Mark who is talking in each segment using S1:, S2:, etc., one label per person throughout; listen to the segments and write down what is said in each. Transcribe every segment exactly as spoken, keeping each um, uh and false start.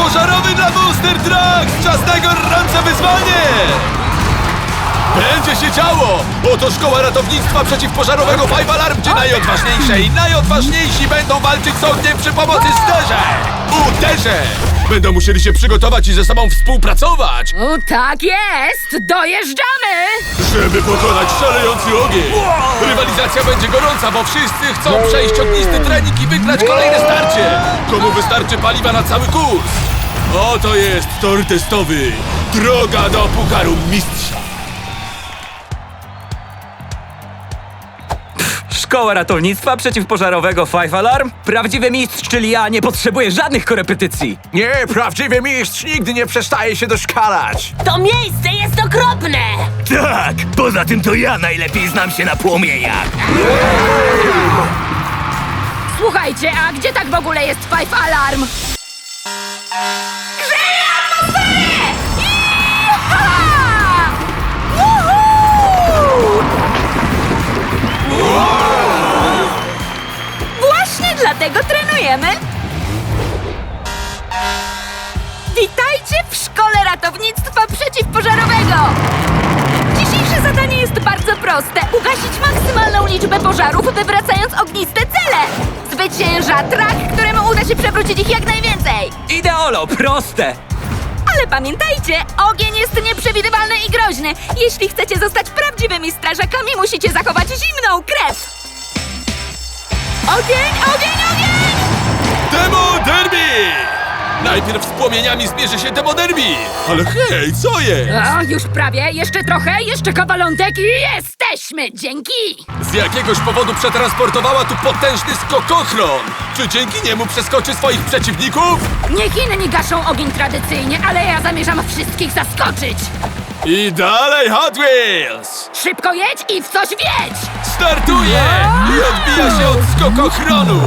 S1: pożarowy dla Monster Trucks! Czas na gorące wyzwanie! Będzie się działo! Oto szkoła ratownictwa przeciwpożarowego Five Alarm, gdzie najodważniejsze i najodważniejsi będą walczyć z ogniem przy pomocy sterzeń! Uderzeń! Będą musieli się przygotować i ze sobą współpracować,
S2: O, tak jest! Dojeżdżamy!
S1: żeby pokonać szalejący ogień! Rywalizacja będzie gorąca, bo wszyscy chcą przejść ognisty trening i wygrać kolejne starcie! Komu wystarczy paliwa na cały kurs? Oto jest tor testowy! Droga do Pucharu Mistrza!
S3: Szkoła ratownictwa przeciwpożarowego Five Alarm? Prawdziwy mistrz, czyli ja, nie potrzebuje żadnych korepetycji.
S4: Nie, prawdziwy mistrz nigdy nie przestaje się doszkalać.
S2: To miejsce jest okropne!
S3: Tak, poza tym to ja najlepiej znam się na płomieniach.
S2: Słuchajcie, a gdzie tak w ogóle jest Five Alarm? Grzeje atmosferę! Iha! Woohoo! Właśnie dlatego trenujemy. Witajcie w Szkole Ratownictwa Przeciwpożarowego! Dzisiejsze zadanie jest bardzo proste. Ugasić maksymalną liczbę pożarów, wywracając ogniste cele. Zwycięża trak, któremu uda się przewrócić ich jak najwięcej.
S3: Ideolo, proste.
S2: Ale pamiętajcie, ogień jest nieprzewidywalny i groźny. Jeśli chcecie zostać prawdziwymi strażakami, musicie zachować zimną krew. Ogień, ogień, ogień!
S1: Demo Derby! Najpierw z płomieniami zmierzy się Demo Derby! Ale hej, co jest?
S2: O, już prawie, jeszcze trochę, jeszcze kawalątek i jesteśmy! Dzięki!
S1: Z jakiegoś powodu przetransportowała tu potężny skokochron! Czy dzięki niemu przeskoczy swoich przeciwników?
S2: Niech inni gaszą ogień tradycyjnie, ale ja zamierzam wszystkich zaskoczyć!
S1: I dalej Hot Wheels!
S2: Szybko jedź i w coś wiedź!
S1: Startuje! I odbija się od skokochronu!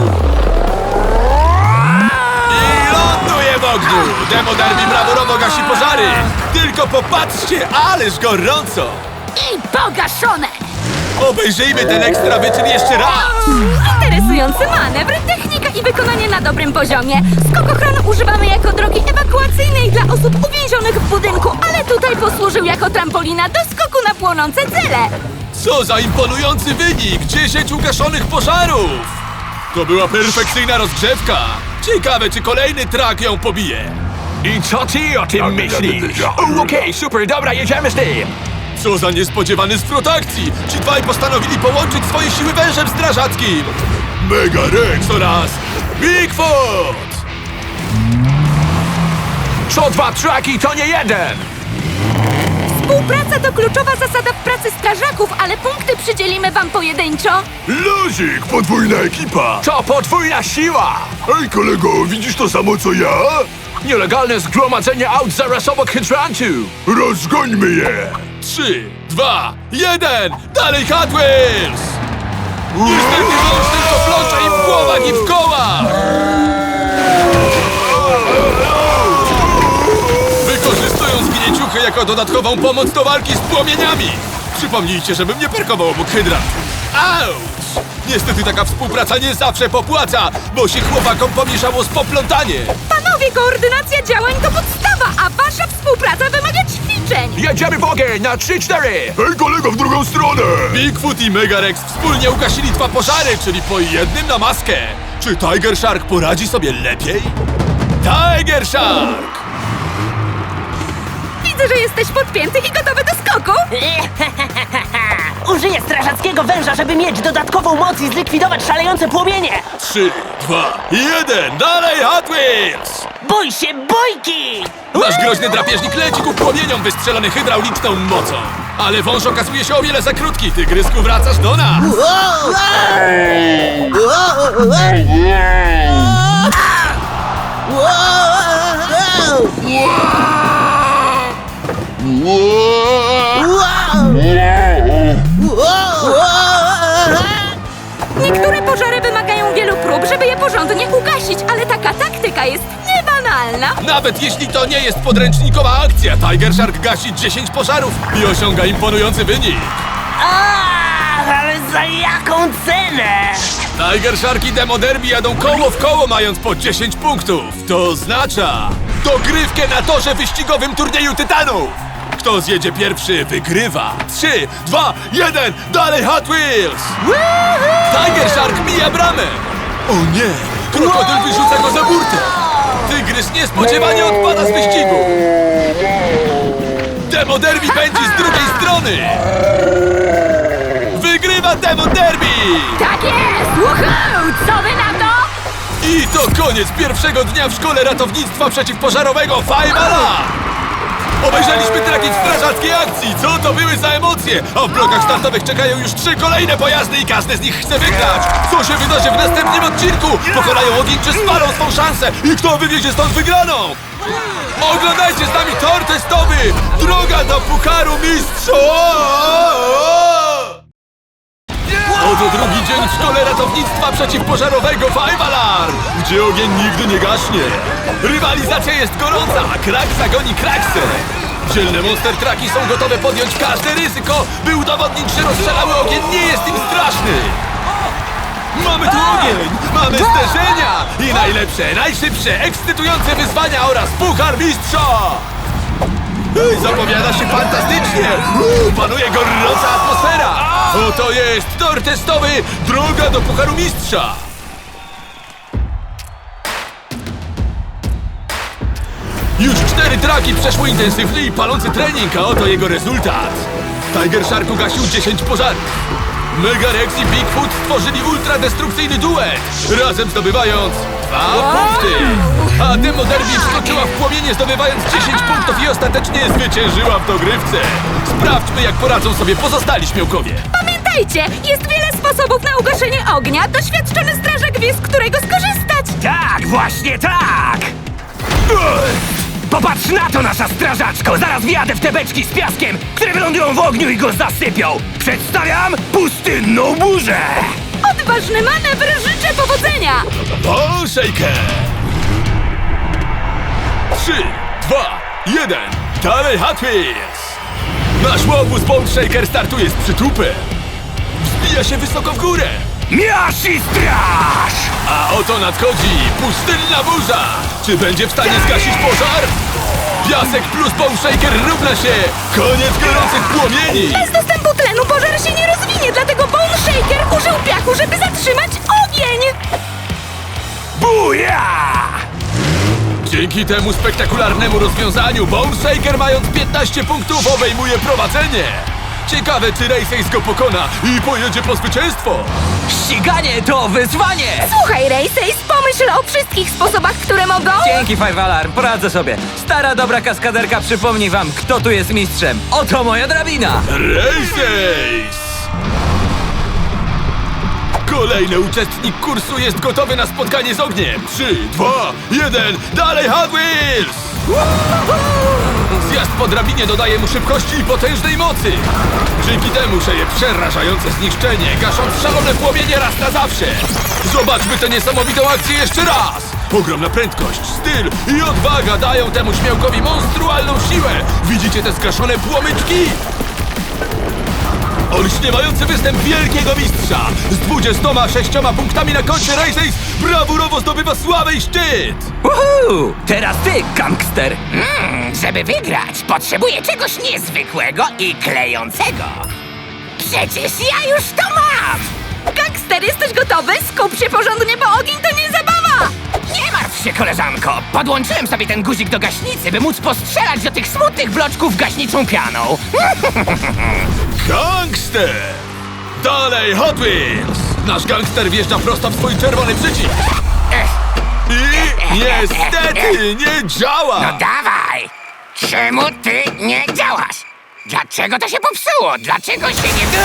S1: I ląduje w ogniu! Demo Derby brawurowo gasi pożary! Tylko popatrzcie, ależ gorąco!
S2: I pogaszone!
S1: Obejrzyjmy ten ekstra wyczyn jeszcze raz!
S2: Interesujący manewr, technika i wykonanie na dobrym poziomie. Skokochron używamy jako drogi ewakuacyjnej dla osób uwięzionych w budynku, ale tutaj posłużył jako trampolina do skoku na płonące cele.
S1: Co za imponujący wynik! dziesięć ugaszonych pożarów! To była perfekcyjna rozgrzewka! Ciekawe, czy kolejny trak ją pobije!
S4: I co ty o tym myślisz? O, Okej, super, dobra, jedziemy z tym.
S1: Co za niespodziewany zwrot akcji! Ci dwaj postanowili połączyć swoje siły wężem strażackim! Mega Rex oraz Bigfoot!
S4: Co dwa traki, to nie jeden.
S2: Współpraca to kluczowa zasada w pracy strażaków, ale punkty przydzielimy wam pojedynczo.
S1: Luzik, podwójna ekipa!
S4: To podwójna siła.
S1: Ej kolego, widzisz to samo co ja?
S4: Nielegalne zgromadzenie aut zaraz obok hydrantu.
S1: Rozgońmy je! Trzy, dwa, jeden! Dalej Hot Wheels! Niestety wąż tylko plącze im w głowach i w kołach! Wykorzystują zgnieciuchy jako dodatkową pomoc do walki z płomieniami! Przypomnijcie, żebym nie parkował obok hydrant! Auć! Niestety taka współpraca nie zawsze popłaca, bo się chłopakom pomieszało z poplątanie!
S2: Panowie, koordynacja działań to podstawa, a wasza współpraca wymaga ćwiczeń.
S4: Jedziemy w ogień na trzy cztery.
S1: Hej kolego, w drugą stronę! Bigfoot i Mega Rex wspólnie ugasili dwa pożary, czyli po jednym na maskę. Czy Tiger Shark poradzi sobie lepiej? Tiger Shark!
S2: Widzę, że jesteś podpięty i gotowy do skoku.
S5: Użyję strażackiego węża, żeby mieć dodatkową moc i zlikwidować szalejące płomienie!
S1: Trzy, dwa, jeden, dalej Hot Wheels!
S5: Bój się bójki!
S1: Nasz groźny drapieżnik leci ku płomieniom wystrzelony hydrauliczną mocą. Ale wąż okazuje się o wiele za krótki. Tygrysku, wracasz do nas!
S2: Niektóre pożary wymagają wielu prób, żeby je porządnie ugasić, ale taka taktyka jest niebanalna.
S1: Nawet jeśli to nie jest podręcznikowa akcja, Tiger Shark gasi dziesięć pożarów i osiąga imponujący wynik.
S5: A, ale Za jaką cenę?
S1: Tiger Shark i Demo Derby jadą koło w koło, mając po dziesięć punktów. To oznacza dogrywkę na torze wyścigowym turnieju Tytanów. Kto zjedzie pierwszy, wygrywa. Trzy, dwa, jeden, dalej Hot Wheels! Tiger Shark mija bramę. O nie, krokodyl wyrzuca go za burtę. Tygrys niespodziewanie odpada z wyścigu. Demo Derby pędzi z drugiej strony. Wygrywa Demo Derby!
S2: Tak jest! Woohoo! Co wy na to?
S1: I to koniec pierwszego dnia w szkole ratownictwa przeciwpożarowego Five Alarm! Obejrzeliśmy tragiczną strażackiej akcji, co to były za emocje! A w blokach startowych czekają już trzy kolejne pojazdy i każdy z nich chce wygrać! Co się wydarzy w następnym odcinku? Pokonają ogień czy spalą swą szansę? I kto wywiezie stąd wygraną? Oglądajcie z nami tor testowy! Droga do Pucharu Mistrzów! Oto drugi dzień w szkole ratownictwa przeciwpożarowego Five Alarm, gdzie ogień nigdy nie gaśnie. Rywalizacja jest gorąca, a krak zagoni kraksę. Dzielne monster trucki są gotowe podjąć każde ryzyko, by udowodnić, że rozstrzelały ogień nie jest im straszny. Mamy tu ogień, mamy zderzenia i najlepsze, najszybsze, ekscytujące wyzwania oraz Puchar Mistrza. Ej, zapowiada się fantastycznie! Uuu, panuje gorąca atmosfera! Oto jest tor testowy Droga do Pucharu Mistrza! Już cztery traki przeszły intensywny i palący trening, a oto jego rezultat! Tiger Shark ugasił dziesięć pożarów. Mega Rex i Bigfoot stworzyli ultradestrukcyjny duet, razem zdobywając dwa punkty. A Demo Derby wskoczyła w płomienie, zdobywając dziesięć punktów i ostatecznie zwyciężyła w dogrywce. Sprawdźmy, jak poradzą sobie pozostali śmiałkowie.
S2: Pamiętajcie, jest wiele sposobów na ugaszenie ognia. Doświadczony strażak wie, z którego skorzystać.
S3: Tak, właśnie tak! Popatrz na to, nasza strażaczko! Zaraz wjadę w te beczki z piaskiem, które wylądują w ogniu i go zasypią! Przedstawiam pustynną burzę!
S2: Odważny manewr, życzę powodzenia.
S1: Ball Shaker! Trzy, dwa, jeden, dalej Hot Wheels! Nasz łobuz Ball Shaker startuje z przytupem. Wzbija się wysoko w górę.
S3: Miasz i straż!
S1: A oto nadchodzi pustynna burza! Czy będzie w stanie zgasić pożar? Piasek plus Ball Shaker równa się koniec gorących płomieni!
S2: Bez dostępu tlenu pożar się nie rozwinie, dlatego Bone Shaker użył piachu, żeby zatrzymać ogień.
S3: Buja!
S1: Dzięki temu spektakularnemu rozwiązaniu Bone Shaker, mając piętnaście punktów, obejmuje prowadzenie! Ciekawe, czy Race go pokona i pojedzie po zwycięstwo!
S3: Ściganie to wyzwanie!
S2: Słuchaj, Race, pomyśl o wszystkich sposobach, które mogą...
S3: Dzięki, Five Alarm, poradzę sobie. Stara, dobra kaskaderka przypomni wam, kto tu jest mistrzem. Oto moja drabina!
S1: Race! Kolejny uczestnik kursu jest gotowy na spotkanie z ogniem! Trzy, dwa, jeden, dalej Hot Wheels! Zjazd po drabinie dodaje mu szybkości i potężnej mocy! Dzięki temu szeje przerażające zniszczenie, gasząc szalone płomienie raz na zawsze! Zobaczmy tę niesamowitą akcję jeszcze raz! Ogromna prędkość, styl i odwaga dają temu śmiałkowi monstrualną siłę! Widzicie te zgaszone płomyczki? Olśniewający występ wielkiego mistrza! Z dwudziestoma sześcioma punktami na koncie Race Ace brawurowo zdobywa sławę i szczyt!
S3: Uhu! Teraz ty, gangster!
S6: Mm, żeby wygrać, potrzebuję czegoś niezwykłego i klejącego. Przecież ja już to mam!
S2: Gangster, jesteś gotowy? Skup się porządnie, bo ogień to nie zabawa!
S6: Nie martw się, koleżanko. Podłączyłem sobie ten guzik do gaśnicy, by móc postrzelać do tych smutnych bloczków gaśniczą pianą.
S1: Gangster! Dalej Hot Wheels! Nasz gangster wjeżdża prosto w swój czerwony przycisk! I niestety nie działa!
S6: No dawaj! Czemu ty nie działasz? Dlaczego to się popsuło? Dlaczego się nie...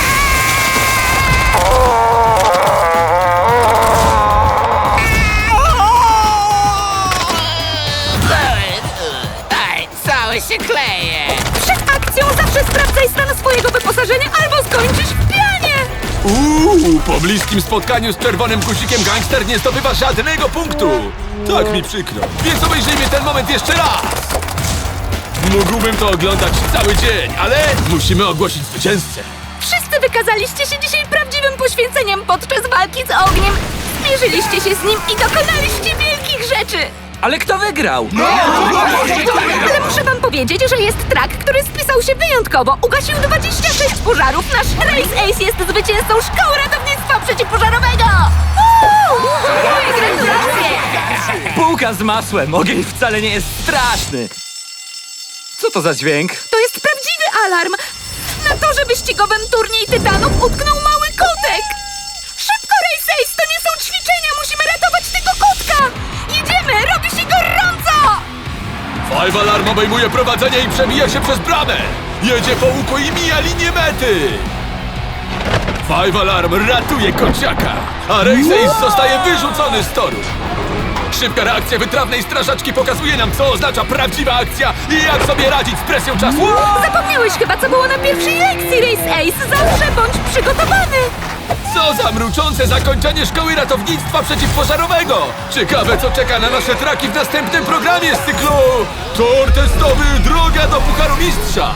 S6: Ej, cały się kleje!
S2: Przed akcją zawsze sprawdzaj stan swojego wyposażenia albo skończysz w pianie!
S1: Uuu, po bliskim spotkaniu z czerwonym guzikiem gangster nie zdobywa żadnego punktu! Tak mi przykro, więc obejrzyjmy ten moment jeszcze raz! Mógłbym to oglądać cały dzień, ale musimy ogłosić zwycięzcę!
S2: Wszyscy Wykazaliście się dzisiaj prawdziwym poświęceniem podczas walki z ogniem. Zmierzyliście się z nim i dokonaliście wielkich rzeczy.
S3: Ale kto wygrał?
S2: Ale muszę wam powiedzieć, że jest track, który spisał się wyjątkowo. Ugasił dwadzieścia sześć pożarów. Nasz Race Ace jest zwycięzcą Szkoły Ratownictwa Przeciwpożarowego! Uuu! Moje gratulacje!
S3: Bułka z masłem. Ogień wcale nie jest straszny. Co to za dźwięk?
S2: To jest prawdziwy alarm! Na torze wyścigowym turniej Tytanów utknął mały kotek! Szybko, Race Ace! To nie są ćwiczenia! Musimy ratować tego kotka! Jedziemy! Robi się gorąco!
S1: Five Alarm obejmuje prowadzenie i przebija się przez bramę! Jedzie po łuku i mija linię mety! Five Alarm ratuje kociaka, a Race Ace zostaje wyrzucony z toru! Szybka reakcja wytrawnej strażaczki pokazuje nam, co oznacza prawdziwa akcja i jak sobie radzić z presją czasu!
S2: Zapomniałeś chyba, co było na pierwszej lekcji, Race Ace! Zawsze bądź przygotowany!
S1: Co za mruczące zakończenie Szkoły Ratownictwa Przeciwpożarowego! Ciekawe, co czeka na nasze traki w następnym programie z cyklu Tor testowy Droga do Pucharu Mistrza!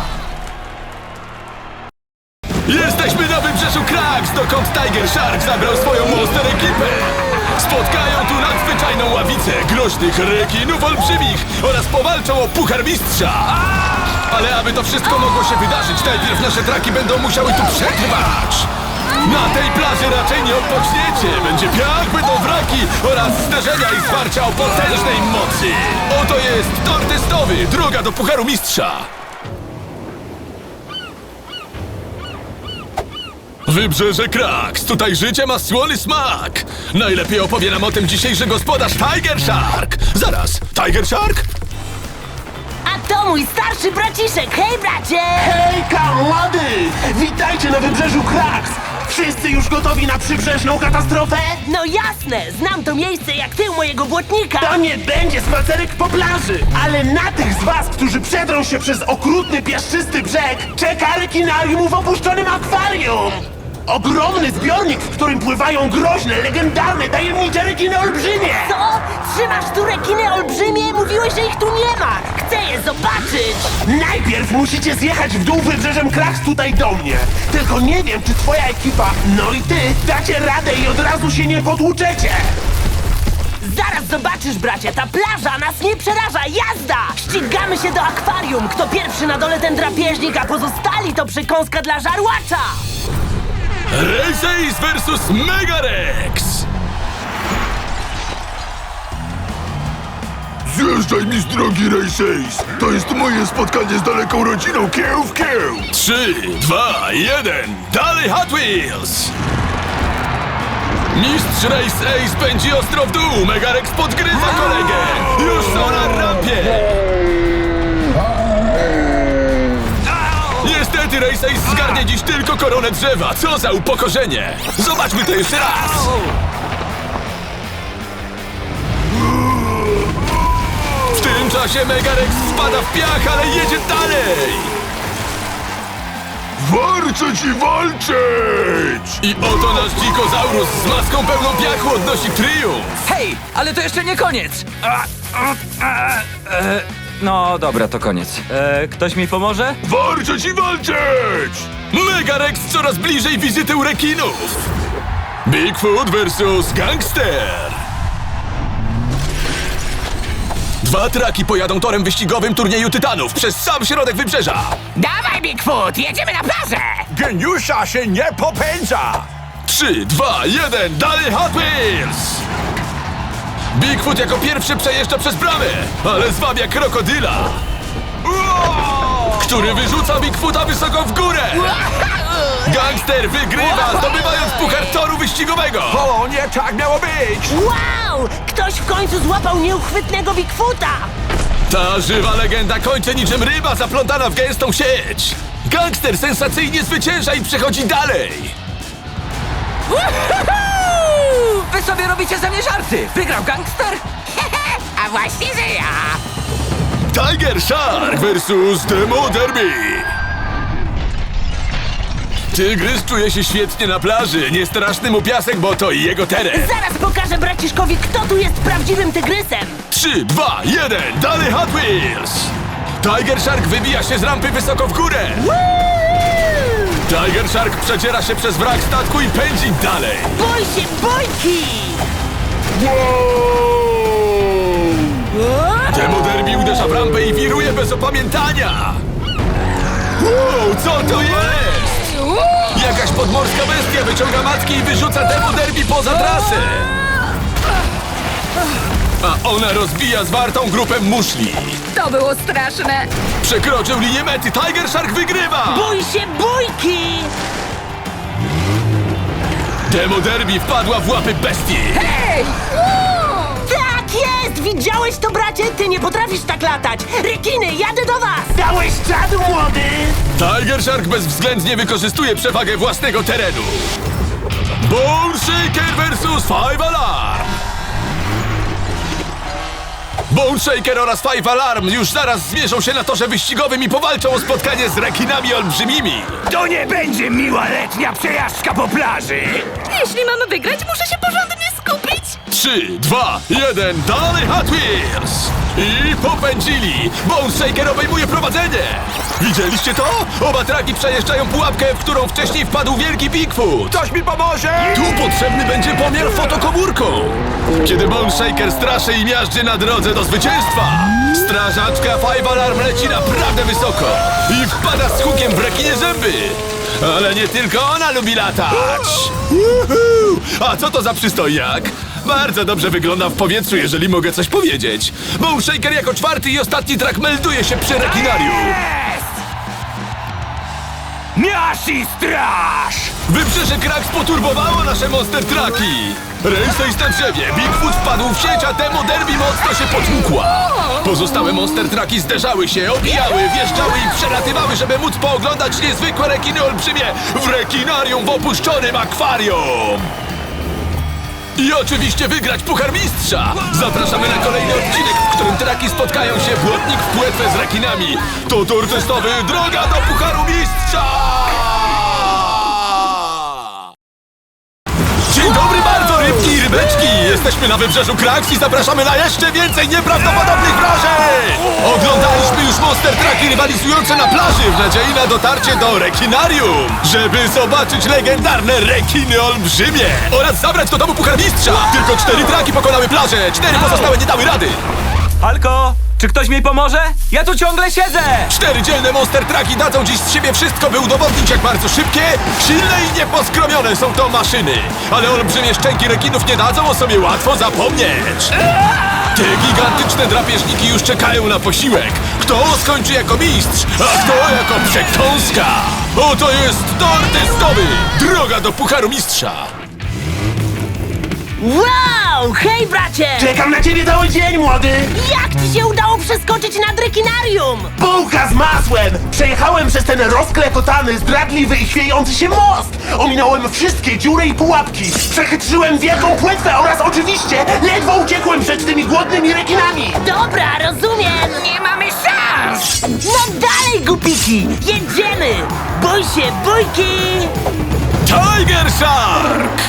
S1: Jesteśmy na wybrzeżu Cracks, dokąd Tiger Shark zabrał swoją monster ekipę! Spotkają tu nadzwyczajną ławicę groźnych rekinów olbrzymich oraz powalczą o Puchar Mistrza! Ale aby to wszystko mogło się wydarzyć, najpierw nasze traki będą musiały tu przetrwać! Na tej plaży raczej nie odpoczniecie! Będzie piach, będą wraki oraz zderzenia i zwarcia o potężnej mocy! Oto jest tor testowy, droga do Pucharu Mistrza! Wybrzeże Cracks, tutaj życie ma słony smak! Najlepiej opowie nam o tym dzisiejszy gospodarz Tiger Shark! Zaraz, Tiger Shark?
S5: A to mój starszy braciszek! Hej, bracie!
S7: Hejka, młody! Witajcie na wybrzeżu Cracks! Wszyscy już gotowi na przybrzeżną katastrofę?
S5: No jasne! Znam to miejsce jak tył mojego błotnika!
S7: To nie będzie spacerek po plaży, ale na tych z was, którzy przedrą się przez okrutny, piaszczysty brzeg, czeka rekinarium w opuszczonym akwarium! Ogromny zbiornik, w którym pływają groźne, legendarne, tajemnicze rekiny olbrzymie!
S5: Co? Trzymasz tu rekiny olbrzymie? Mówiłeś, że ich tu nie ma! Chcę je zobaczyć!
S7: Najpierw musicie zjechać w dół wybrzeżem Cracks tutaj do mnie. Tylko nie wiem, czy twoja ekipa, no i ty, dacie radę i od razu się nie potłuczecie.
S5: Zaraz zobaczysz, bracie! Ta plaża nas nie przeraża! Jazda! Ścigamy się do akwarium! Kto pierwszy na dole, ten drapieżnik, a pozostali to przekąska dla żarłacza!
S1: Race Ace versus Megarex!
S8: Zjeżdżaj mi z drogi, Race Ace! To jest moje spotkanie z daleką rodziną kieł w kieł!
S1: Trzy, dwa, jeden, dalej Hot Wheels! Mistrz Race Ace pędzi ostro w dół, Megarex podgryza kolegę! Już są na rampie! Niestety Race Ace zgarnie dziś tylko koronę drzewa, co za upokorzenie! Zobaczmy to jeszcze raz! W tym czasie Megarex spada w piach, ale jedzie dalej!
S8: Warczę ci walczyć!
S1: I oto nasz dzikozaurus z maską pełną piachu odnosi triumf!
S3: Hej, ale to jeszcze nie koniec! A, a, a, e, no dobra, to koniec. E, ktoś mi pomoże?
S8: Warczę ci walczyć!
S1: Megarex coraz bliżej wizyty u rekinów! Bigfoot versus Gangster! Dwa traki pojadą torem wyścigowym turnieju Tytanów przez sam środek wybrzeża!
S6: Dawaj, Bigfoot, jedziemy na plażę!
S4: Geniusza się nie popędza!
S1: Trzy, dwa, jeden, dalej Hot Wheels! Bigfoot jako pierwszy przejeżdża przez bramę, ale zwabia krokodyla, który wyrzuca Bigfoota wysoko w górę! Gangster wygrywa, zdobywając puchar toru wyścigowego!
S4: O, nie tak miało być!
S5: Wow! Ktoś w końcu złapał nieuchwytnego Bigfoota!
S1: Ta żywa legenda kończy niczym ryba zaplątana w gęstą sieć! Gangster sensacyjnie zwycięża i przechodzi dalej!
S3: Uhuhu! Wy sobie robicie ze mnie żarty! Wygrał gangster?
S6: A właśnie, że ja!
S1: Tiger Shark versus Demo Derby! Tygrys czuje się świetnie na plaży, nie straszny mu piasek, bo to jego teren!
S5: Zaraz pokażę braciszkowi, kto tu jest prawdziwym tygrysem!
S1: Trzy, dwa, jeden, dalej Hot Wheels! Tiger Shark wybija się z rampy wysoko w górę!
S5: Woo!
S1: Tiger Shark przeciera się przez wrak statku i pędzi dalej.
S5: Bój się, bójki!
S1: Demo Derby uderza w rampę i wiruje bez opamiętania. Wow, co to jest? Jakaś podmorska bestia wyciąga matki i wyrzuca Demo Derby poza trasę. A ona rozbija zwartą grupę muszli.
S2: To było straszne.
S1: Przekroczył linię mety, Tiger Shark wygrywa!
S5: Bój się, bójki!
S1: Demo Derby wpadła w łapy bestii.
S2: Hej!
S5: Tak jest! Widziałeś to, bracie? Ty nie potrafisz tak latać! Rekiny, jadę do was!
S7: Dałeś czadu, młody!
S1: Tiger Shark bezwzględnie wykorzystuje przewagę własnego terenu. Bone Shaker versus Five Alarm. Bone Shaker oraz Five Alarm już zaraz zmierzą się na torze wyścigowym i powalczą o spotkanie z rekinami olbrzymimi.
S3: To nie będzie miła letnia przejażdżka po plaży!
S2: Jeśli mamy wygrać, muszę się porządnie skupić.
S1: Trzy, dwa, jeden, dalej Hot Wheels! I popędzili! Bone Shaker obejmuje prowadzenie! Widzieliście to? Oba traki przejeżdżają pułapkę, w którą wcześniej wpadł wielki Bigfoot!
S4: Ktoś mi pomoże!
S1: Tu potrzebny będzie pomiar fotokomórką! Kiedy Bone Shaker straszy i miażdży na drodze do zwycięstwa, strażaczka Five Alarm leci naprawdę wysoko i wpada z hukiem w rekinie zęby! Ale nie tylko ona lubi latać! Uhu! A co to za przystojak? Bardzo dobrze wygląda w powietrzu, jeżeli mogę coś powiedzieć. Bone Shaker jako czwarty i ostatni trak melduje się przy rekinarium.
S3: Jest! Miasz i straż!
S1: Wybrzeże Kraks poturbowało nasze monster traki! Race na drzewie, Bigfoot wpadł w sieć, a Demo Derby mocno się potłukła! Pozostałe monster traki zderzały się, obijały, wjeżdżały i przelatywały, żeby móc pooglądać niezwykłe rekiny olbrzymie w rekinarium w opuszczonym akwarium! I oczywiście wygrać Puchar Mistrza! Zapraszamy na kolejny odcinek, w którym traki spotkają się błotnik w płetwę z rekinami. To tor testowy Droga do Pucharu Mistrza! Dzień dobry bardzo, rybki i rybeczki! Jesteśmy na wybrzeżu Kraks i zapraszamy na jeszcze więcej nieprawdopodobnych wrażeń! Oglądaliśmy już monster traki rywalizujące na plaży w nadziei na dotarcie do rekinarium, żeby zobaczyć legendarne rekiny olbrzymie oraz zabrać do domu Puchar Mistrza! Tylko cztery traki pokonały plażę, cztery pozostałe nie dały rady!
S3: Halko, czy ktoś mi pomoże? Ja tu ciągle siedzę!
S1: Cztery dzielne monster traki dadzą dziś z siebie wszystko, by udowodnić, jak bardzo szybkie, silne i nieposkromione są to maszyny. Ale olbrzymie szczęki rekinów nie dadzą o sobie łatwo zapomnieć. Te gigantyczne drapieżniki już czekają na posiłek. Kto skończy jako mistrz, a kto jako przekąska. Oto jest tor testowy. Droga do Pucharu Mistrza.
S5: Wow! Hej, bracie!
S7: Czekam na ciebie cały dzień, młody!
S5: Jak ci się udało przeskoczyć nad rekinarium?
S7: Bułka z masłem! Przejechałem przez ten rozklekotany, zdradliwy i chwiejący się most! Ominąłem wszystkie dziury i pułapki! Przechytrzyłem wielką płetwę oraz oczywiście ledwo uciekłem przed tymi głodnymi rekinami!
S5: Dobra, rozumiem!
S6: Nie mamy szans!
S5: No dalej, głupiki! Jedziemy! Bój się, bójki!
S1: Tiger Shark!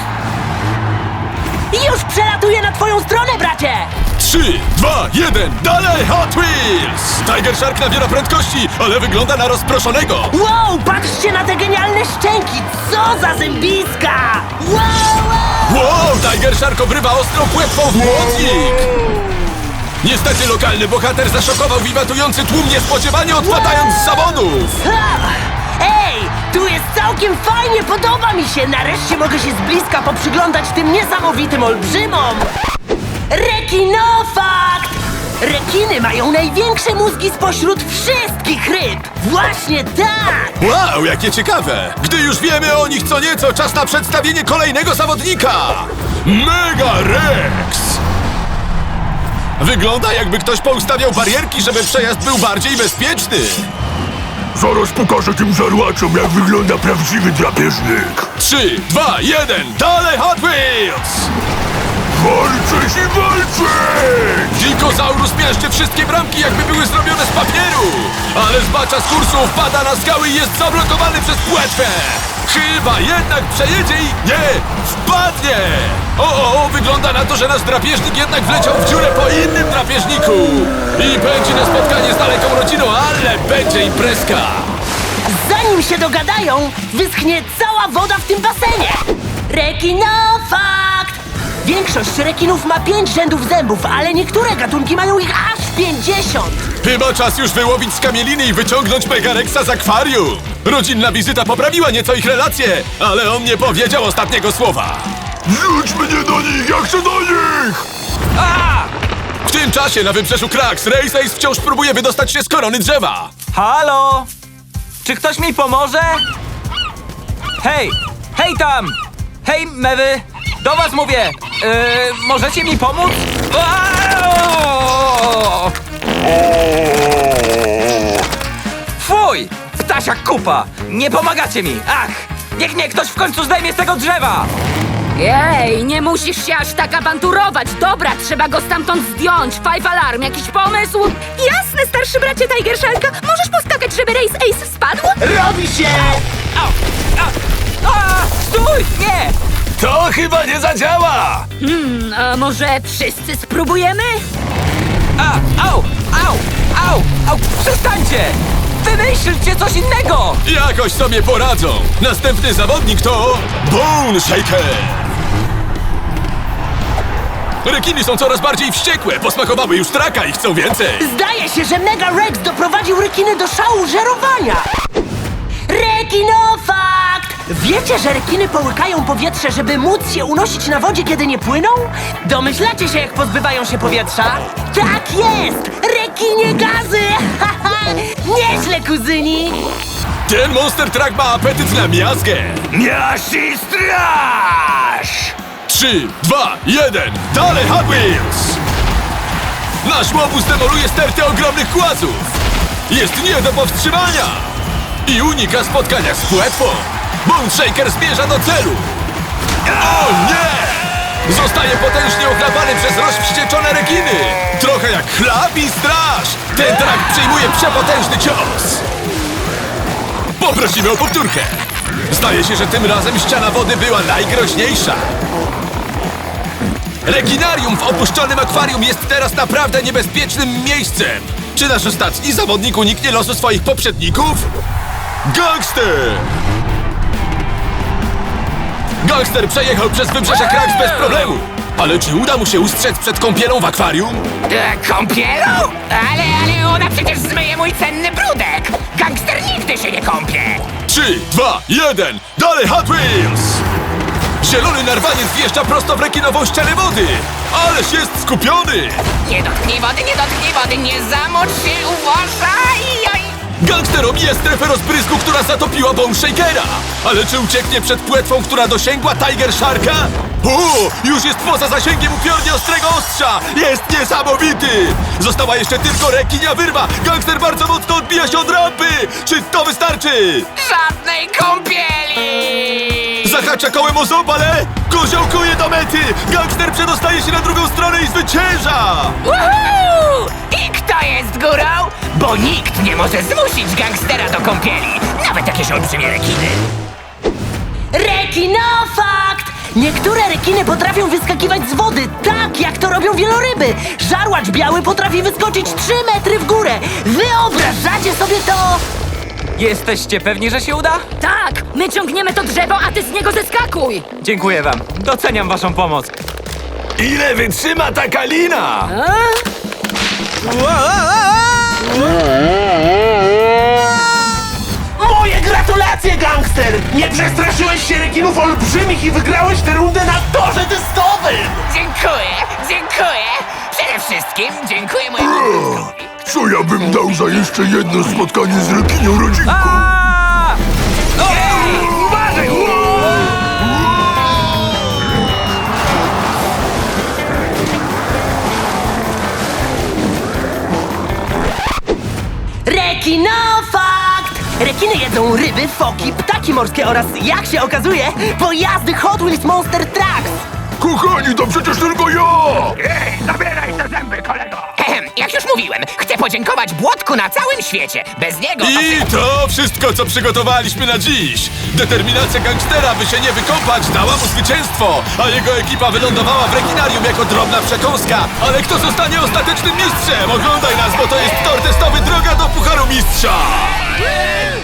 S5: Już przelatuję na twoją stronę, bracie!
S1: Trzy, dwa, jeden, dalej Hot Wheels! Tiger Shark nabiera prędkości, ale wygląda na rozproszonego.
S5: Wow, patrzcie na te genialne szczęki! Co za zębiska! Wow, wow!
S1: Wow, Tiger Shark obrywa ostrą płetwą w błotnik! Niestety lokalny bohater zaszokował wiwatujący tłum, niespodziewanie odpadając z zawodów!
S5: Ha! Ej, tu jest całkiem fajnie, podoba mi się! Nareszcie mogę się z bliska poprzyglądać tym niesamowitym olbrzymom! Rekinofakt! Rekiny mają największe mózgi spośród wszystkich ryb! Właśnie tak!
S1: Wow, jakie ciekawe! Gdy już wiemy o nich co nieco, czas na przedstawienie kolejnego zawodnika! Mega Rex! Wygląda, jakby ktoś poustawiał barierki, żeby przejazd był bardziej bezpieczny.
S8: Zaraz pokażę tym żarłaczom, jak wygląda prawdziwy drapieżnik.
S1: Trzy, dwa, jeden, dalej Hot Wheels!
S8: Walczyć i walczyć!
S1: Dinozaurus miażdży wszystkie bramki, jakby były zrobione z papieru! Ale zbacza z kursu, wpada na skały i jest zablokowany przez płetwę! Chyba jednak przejedzie i... nie! Wpadnie! O, o, o, wygląda na to, że nasz drapieżnik jednak wleciał w dziurę po innym drapieżniku! I będzie na spotkanie z daleką rodziną, ale będzie imprezka!
S5: Zanim zanim się dogadają, wyschnie cała woda w tym basenie. Rekinofakt! Większość rekinów ma pięć rzędów zębów, ale niektóre gatunki mają ich aż pięćdziesiąt.
S1: Chyba czas już wyłowić skamieliny i wyciągnąć Megarexa z akwarium. Rodzinna wizyta poprawiła nieco ich relacje, ale on nie powiedział ostatniego słowa.
S8: Rzuć mnie do nich, ja chcę do nich!
S1: W tym czasie na wybrzeżu Krax Race Ace wciąż próbuje wydostać się z korony drzewa.
S3: Halo? Czy ktoś mi pomoże? Hej! Hej tam! Hej, mewy! Do was mówię! Yy, możecie mi pomóc? Aaaa! Fuj! Ptasia kupa! Nie pomagacie mi! Ach! Niech mnie ktoś w końcu zdejmie z tego drzewa!
S2: Jej, nie musisz się aż tak awanturować. Dobra, trzeba go stamtąd zdjąć. Five Alarm, jakiś pomysł? Jasne, starszy bracie Tiger Sharka. Możesz poskakać, żeby Race Ace spadł?
S7: Robi się!
S3: Au! A! A! Stój! Nie!
S1: To chyba nie zadziała!
S2: Hmm, a może wszyscy spróbujemy?
S3: A! Au! Au! Au! Au! Przestańcie! Wymyślcie coś innego!
S1: Jakoś sobie poradzą. Następny zawodnik to Bone Shaker. Rekiny są coraz bardziej wściekłe. Posmakowały już traka i chcą więcej.
S5: Zdaje się, że Mega Rex doprowadził rekiny do szału żerowania. Rekinofakt! Wiecie, że rekiny połykają powietrze, żeby móc się unosić na wodzie, kiedy nie płyną? Domyślacie się, jak pozbywają się powietrza? Tak jest! Rekinie gazy! Nieźle, kuzyni!
S1: Ten Monster Truck ma apetyt na miazgę.
S3: Miasz i straż!
S1: Trzy, dwa, jeden. Dalej, Hot Wheels! Nasz łobuz demoluje stertę ogromnych głazów. Jest nie do powstrzymania. I unika spotkania z płetwą. Bone Shaker zmierza do celu. O nie! Zostaje potężnie ochlapany przez rozwścieczone rekiny. Trochę jak chlap i straż. Ten trak przyjmuje przepotężny cios. Poprosimy o powtórkę. Zdaje się, że tym razem ściana wody była najgroźniejsza. Rekinarium w opuszczonym akwarium jest teraz naprawdę niebezpiecznym miejscem. Czy nasz ostatni zawodnik uniknie losu swoich poprzedników? Gangster! Gangster przejechał przez wybrzeże Krax bez problemu. Ale czy uda mu się ustrzec przed kąpielą w akwarium?
S6: E, kąpielą? Ale, ale ona przecież zmyje mój cenny brudek! Gangster nigdy się nie kąpie!
S1: Trzy, dwa, jeden. Dalej, Hot Wheels! Zielony narwaniec wjeżdża prosto w rekinową ścianę wody. Ależ jest skupiony!
S6: Nie dotknij wody, nie dotknij wody, nie zamocz się, uważaj! Oj.
S1: Gangster omija strefę rozbrysku, która zatopiła Bone Shakera. Ale czy ucieknie przed płetwą, która dosięgła Tiger Sharka? O, już jest poza zasięgiem upiornie ostrego ostrza. Jest niesamowity. Została jeszcze tylko rekinia wyrwa. Gangster bardzo mocno odbija się od rampy. Czy to wystarczy?
S6: Żadnej kąpieli!
S1: Zahacza kołem o ząb, ale koziołkuje do mety. Gangster przedostaje się na drugą stronę i zwycięża.
S6: Woohoo! I kto jest górą? Bo nikt nie może zmusić gangstera do kąpieli, nawet jakieś olbrzymie rekiny.
S5: Rekinofakt! Niektóre rekiny potrafią wyskakiwać z wody, tak jak to robią wieloryby. Żarłacz biały potrafi wyskoczyć trzy metry w górę. Wyobrażacie sobie to?
S3: Jesteście pewni, że się uda?
S2: Tak, my ciągniemy to drzewo, a ty z niego zeskakuj.
S3: Dziękuję wam. Doceniam waszą pomoc.
S1: Ile wytrzyma taka lina?
S7: Moje gratulacje, gangster! Nie przestraszyłeś się rekinów olbrzymich i wygrałeś tę rundę na torze testowym!
S6: Dziękuję, dziękuję! Przede wszystkim dziękuję mojemu wujkowi.
S8: Co ja bym dał za jeszcze jedno spotkanie z rekinią rodzinką?
S3: A! Ej! Uważaj!
S5: Rekinofakt! Rekiny jedzą ryby, foki, ptaki morskie oraz, jak się okazuje, pojazdy Hot Wheels Monster Trucks!
S8: Kochani, to przecież tylko ja!
S6: Ehem, jak już mówiłem, chcę podziękować Błotku na całym świecie. Bez niego to...
S1: I to wszystko, co przygotowaliśmy na dziś. Determinacja gangstera, by się nie wykąpać, dała mu zwycięstwo, a jego ekipa wylądowała w rekinarium jako drobna przekąska. Ale kto zostanie ostatecznym mistrzem? Oglądaj nas, bo to jest tor testowy Droga do Pucharu Mistrza!